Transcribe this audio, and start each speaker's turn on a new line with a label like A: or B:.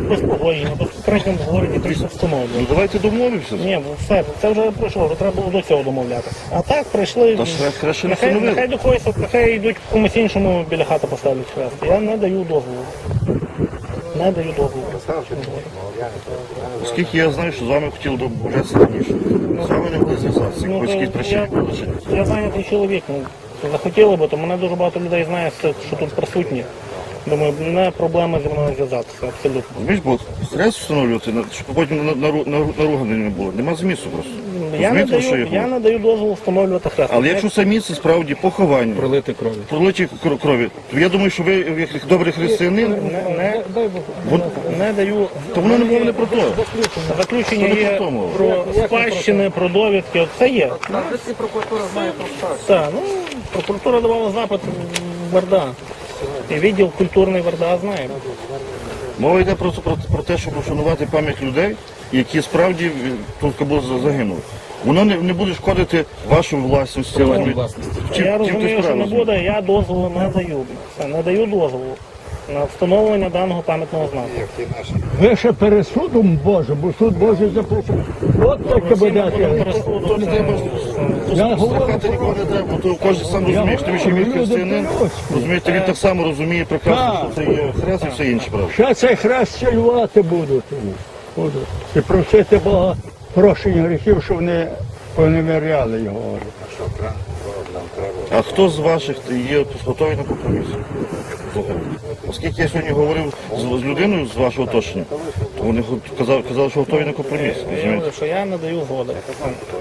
A: без погодження, без попереднього говорення, то все встановлює.
B: Ну давайте домовимося.
A: Ні, все, це вже пройшло, вже треба було до цього домовлятися. А так прийшли,
B: Та ж краще не
A: нехай
B: встановили.
A: до когось, нехай йдуть комусь іншому біля хати поставлять хрест. Я не даю дозволу. Не даю дозволу.
B: Оскільки я знаю, що з вами хотіли б бажатися раніше. З вами не були зв'язатися,
A: Ну,
B: якоїсь якісь причини були чи ні?
A: я зайнятий чоловік, ну, захотіли би, то мене дуже багато людей знає, що тут присутні. Думаю, не проблема зі мною зв'язатися, абсолютно.
B: Розумієш, бо стрес встановлювати, щоб потім наругани не було. Нема змісту просто.
A: Я не,
B: Розумієте, про що
A: даю,
B: я
A: я
B: говорю?
A: не даю дозволу встановлювати хрест.
B: Але якщо самі це справді поховання,
C: Пролити крові.
B: пролиті крові, то я думаю, що ви, як добрий християнин,
A: не даю.
B: то воно не мова не про то.
A: Заключення
B: Що не
A: є
B: про то мова?
A: про спадщини, про довідки, от це є.
C: І прокуратура знає про все.
A: Так, ну, прокуратура давала запит в ВРДА. І відділ культурний ВРДА знає.
B: Мова йде просто про те, щоб вшанувати пам'ять людей, які справді тут загинули. Воно не буде шкодити вашій власності.
A: Я розумію, що не буде, я дозволу не даю. Все, не даю дозволу на встановлення даного пам'ятного знаку.
D: Ви ще перед судом Божим, бо суд Божий записав. От таке буде.
B: То не треба слухати нікого не треба, бо то кожен сам розуміє, що він християнин, розумієте, він так само розуміє прекрасно, що це є хрест і все інше, правда.
D: Ще цей хрест цілювати будуть. І просити Бога прощення гріхів, щоб вони поневіряли його.
B: А хто з ваших є готовий на компроміс? Слухайте, оскільки я сьогодні говорив з людиною з вашого оточення, то вони казали, що готові на компроміс.
A: Я говорю, що я не даю згоди.